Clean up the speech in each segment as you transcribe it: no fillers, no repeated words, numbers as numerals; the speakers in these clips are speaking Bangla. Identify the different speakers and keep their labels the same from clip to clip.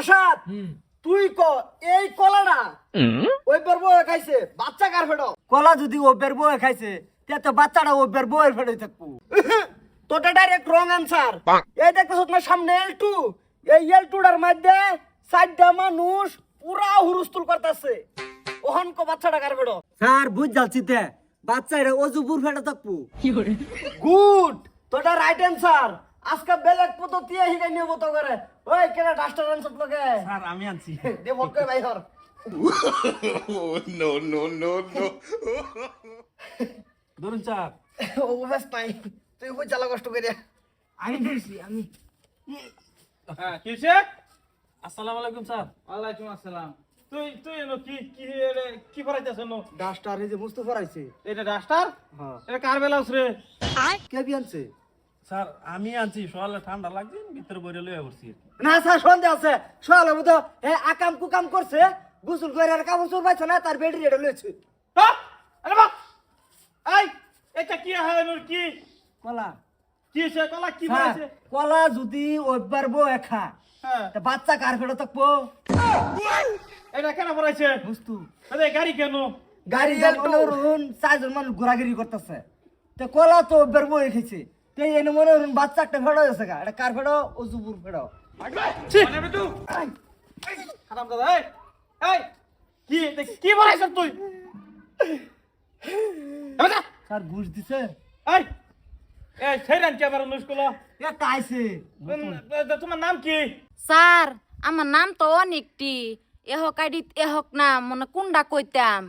Speaker 1: আশাদ তুই ক এই কলাটা ওই বের বউয়ে খাইছে বাচ্চা কার ফেটো কলা যদি ও বের বউয়ে খাইছে তে তো বাচ্চাটা ও বের বউয়ের ফেটোই থাকবো তোটা ডাইরেক্ট রং আনসার এই দেখতেছ না সামনে L2 এই L2টার মধ্যে 60টা মানুষ পুরা হুরুস্তুল করতেছে ওহন কো বাচ্চাটা কার ফেটো স্যার বুঝ যাচ্ছিতে বাচ্চাটা অজুপুর ফেটো থাকবো গুড তোটা রাইট অ্যানসার আজকে বেলেগ পদ্ধতি হিগাই নিয়ে মতো করে ওই কেনা ডাস্টার আনছত লগে
Speaker 2: স্যার আমি আনছি
Speaker 1: দে বলকে ভাই হর
Speaker 3: No, no, no, no.
Speaker 2: ধরুন স্যার
Speaker 1: ও বাস নাই তুই কই চালা কষ্ট করে
Speaker 2: আমি ধরছি আমি হ্যাঁ কি হইছে আসসালামু আলাইকুম স্যার
Speaker 4: ওয়ালাইকুম আসসালাম।
Speaker 2: তুই তুই এনো কি কি কি পড়াইতেছ নো
Speaker 1: ডাস্টার এই যে মুস্তফা রাইছে
Speaker 2: এটা ডাস্টার
Speaker 1: হ্যাঁ
Speaker 2: এটা কার বেলাউস রে
Speaker 1: কে বিয়ানছে
Speaker 2: স্যার আমি আনছি সকালে ঠান্ডা লাগছে ভিতরে বইরে লইয়া পড়ছি
Speaker 1: না স্যার সন্দেহ আছে সকালে মতো হে আকাম কুকাম করছে গোসল করে আর কাপড় চোপড় পাইছে না তার বেডি রেডি লইছে
Speaker 2: আরে বাপ এই এটা কি হয় নোর কি
Speaker 1: কলা
Speaker 2: কি সে কলা কি
Speaker 1: স্যার,
Speaker 2: বলেছে
Speaker 1: কলা যদি ওইবার বউ একা
Speaker 2: হ্যাঁ
Speaker 1: তা বাচ্চা কার ফেটো থাকবো
Speaker 2: এটা কেন পড়াইছে
Speaker 1: বুঝতু
Speaker 2: আরে গাড়ি কেন
Speaker 1: গাড়ি মনোরণ চারজন মানুষ ঘোরাঘুরি করতেছে তো কলা তো ওইবার বউ খেয়েছে তো এনে মনোরণ বাচ্চা একটা ফেটো গেছে গা এটা কার ফেটো অজুপুর ফেটো
Speaker 2: মানে বেটু হারাম দাদা এই এই কি পড়াইছ তুই এবারে
Speaker 1: স্যার ঘুষ দিছে
Speaker 2: এই এই ছেড়ান কে আবার অনুষ্কলা
Speaker 1: এ কাইছে
Speaker 2: তোমার নাম কি
Speaker 5: স্যার আমার নাম তো অনেকটি এহক আইডিত এহক নাম মনে কোনটা কইতাম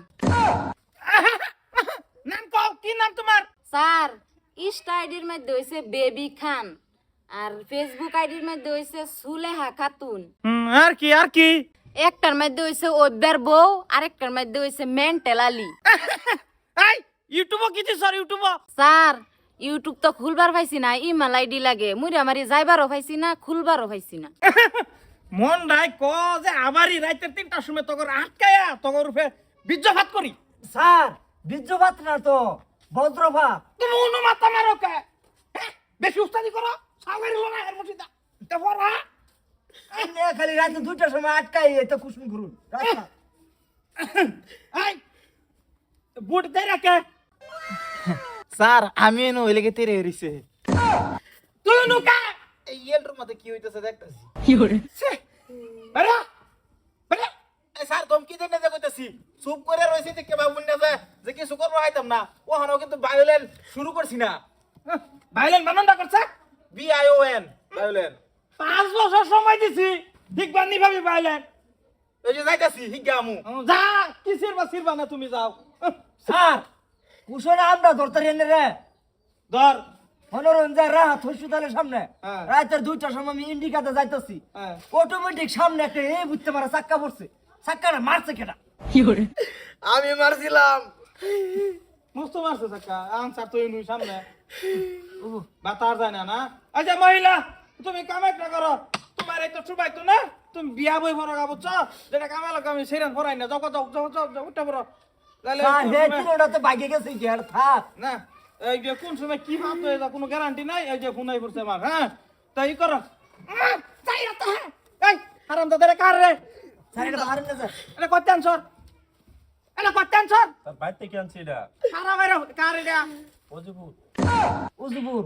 Speaker 2: নাম কও কি নাম তোমার
Speaker 5: স্যার ইনস্টা আইডির মধ্যে হইছে বেবি খান আর ফেসবুক আইডির মধ্যে হইছে সুলেহা খাতুন
Speaker 2: আর কি
Speaker 5: একটার মধ্যে হইছে ওইবার বউ আরেকটার মধ্যে হইছে মেন্টাল আলী
Speaker 2: এই ইউটিউব কি স্যার ইউটিউব
Speaker 5: স্যার ইউটিউব তো খুলবার পাইছি না ইমেল আইডি লাগে মুই আমারই যাইবারও পাইছি না খুলবারও পাইছি না
Speaker 2: মন রাই ক যে আমারই রাইতে 3টার সময় তগর আটকায়া তগর রূপে বীর্যপাত করি
Speaker 1: স্যার বীর্যপাত না তো বজ্রপাত
Speaker 2: তুমি অনুমাতা মারো কে বেশি উস্তাদি করো সাগরি লোনা এর মধ্যে তারপর
Speaker 1: এনে খালি রাতে 2টার সময় আটকাই এটা কুসুম ঘুরুন রাস্তা
Speaker 2: এই বুট দে রাখে
Speaker 4: স্যার আমি এনে ওই লেগে তেরে হইছে।
Speaker 2: তুই নুকা
Speaker 4: এই ইয়েলটার মধ্যে কি হইতেছে দেখতাছি।
Speaker 2: আরে আরে
Speaker 4: এই স্যার তুমি কি দেনে কইতাছি? চুপ করে রইছি যে কে বাবুন না যে কিছু করব হইতাম না। ও হানো কিন্তু ভায়োলেন শুরু করছি না।
Speaker 2: ভাইলেন বানন্দা করছে
Speaker 4: BION ভায়োলেন।
Speaker 2: 5 বছর সময় দিছি ঠিক বানি ভাবি ভাইলেন
Speaker 4: এই যে যাইতাছি হিগামু।
Speaker 2: যা কি সিরবা না তুমি যাও
Speaker 1: স্যার কুসুম আমরা ধরতে এনে রে
Speaker 2: ধর
Speaker 1: মনোরঞ্জন রাত হসপিটালের সামনে
Speaker 2: হ্যাঁ।
Speaker 1: রাতের 2টার সময় আমি ইন্ডিকাতে যাইতাছি
Speaker 2: হ্যাঁ।
Speaker 1: অটোমেটিক সামনে একটা এই বুঝতে পারা চাক্কা পড়ছে চাক্কাটা মারছে কেটা
Speaker 4: আমি মারছিলাম।
Speaker 2: মস্ত মারছে সাকা আনসার তুই নুই সামনে বাতার যায় না না আচ্ছা মহিলা তুমি কামাইটা করো তোমার এই তো সুবাই তো না তুমি বিয়া বই ভরা গাবছ যেটা কামাই লাগে আমি সেরান ভরাই না যাও উঠা পড়ো তাহলে
Speaker 1: স্যার
Speaker 2: কোন
Speaker 1: হে
Speaker 2: সময়-
Speaker 1: তিনটা তো বাইকে গেছে কি আর থাক
Speaker 2: না এই যে কোন সময় কি ভাব হয়ে যা কোনো গ্যারান্টি নাই এই যে ফোনাই পড়ছে আমার হ্যাঁ তাই করো যাই রাতে হ্যাঁ এই হারাম দাদা কার রে
Speaker 1: স্যার এটা বাহার না স্যার
Speaker 2: এটা কত আনছর এটা কত আনছর
Speaker 3: তার বাইর থেকে আনছি এটা
Speaker 2: হারাম এর কার এটা
Speaker 3: অজুপুর
Speaker 1: উজুপুর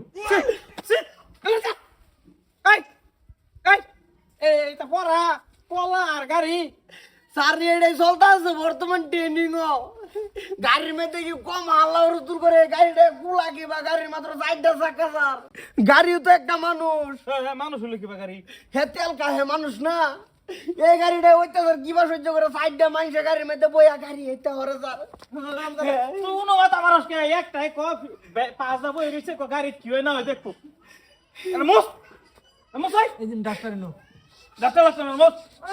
Speaker 2: এইটা পড়া পলা আর গাড়ি
Speaker 1: স্যার এটাই চলতে আছে বর্তমান ট্রেনিং গাড়ির মধ্যে কি কম আল্লাহ রুতুর করে গাড়িটা গুলা কি বা গাড়ির মাত্র 4টা চাকা স্যার গাড়িও তো একটা মানুষ
Speaker 2: মানুষ হলো কিবা গাড়ি
Speaker 1: হে তেল কাহে মানুষ না এই গাড়িটা ওইটা স্যার কিবা সহ্য করে 4টা মানুষ গাড়ির মধ্যে বইয়া গাড়ি হেতে হরে স্যার
Speaker 2: তুই উনো মাথা মানুষ কে একটাই ক পাঁচ দা বই রইছে ক গাড়ি কি হয় না হয় দেখো মোস মোস ভাই
Speaker 1: এই দিন ডাক্তার নো
Speaker 2: ডাক্তার মোস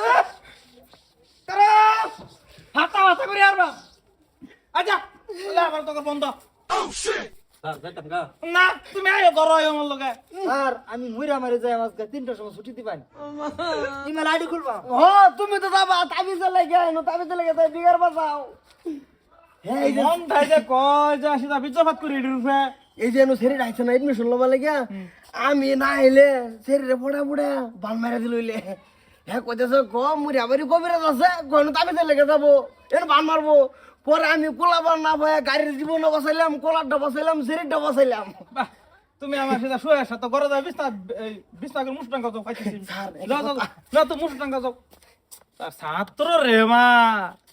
Speaker 2: তারা হাতা হাতা করে আরবা আচ্ছা বলে আমার তোকে বন্ধ
Speaker 3: স্যার যাইতাম গা
Speaker 2: না তুমি আয়ো ঘর আয়ো আমার লগে
Speaker 1: স্যার আমি মুইরা মারি যাই আজকে 3টার সময় ছুটি দিবান ইমেল আইডি খুলবা তুমি তো যাবা তাবিজ লাগে নো তাবিজ লাগে তাই বিগার বাজাও এই যে
Speaker 2: মন ভাই যে কয় যে আসি তা বিজফাত করে রূপে
Speaker 1: এই যে নো সেরি রাইছে না এডমিশন লবা লাগিয়া আমি না আইলে সেরি রে পড়া পড়া বাল মারা দিল হইলে হ্যাঁ কইতেছে মুড়িয়া বাড়ি কবিরাজ আছে কোন তাবিজে লেগে যাবো এর বান মারবো পরে আমি কোলাবার না পাই গাড়ির জীবনও বাঁচাইলাম কোলারটা বাঁচাইলাম সিরিটটা বাঁচাইলাম
Speaker 2: বাহ, তুমি আমার সাথে শুয়ে আসা তো ঘরে যাও বিছনা করে মুসটাঙ্গা যাও খাইতেছি
Speaker 1: স্যার,
Speaker 2: যাও যাও যাও তো মুসটাঙ্গা যাও তার ছাত্র রে মা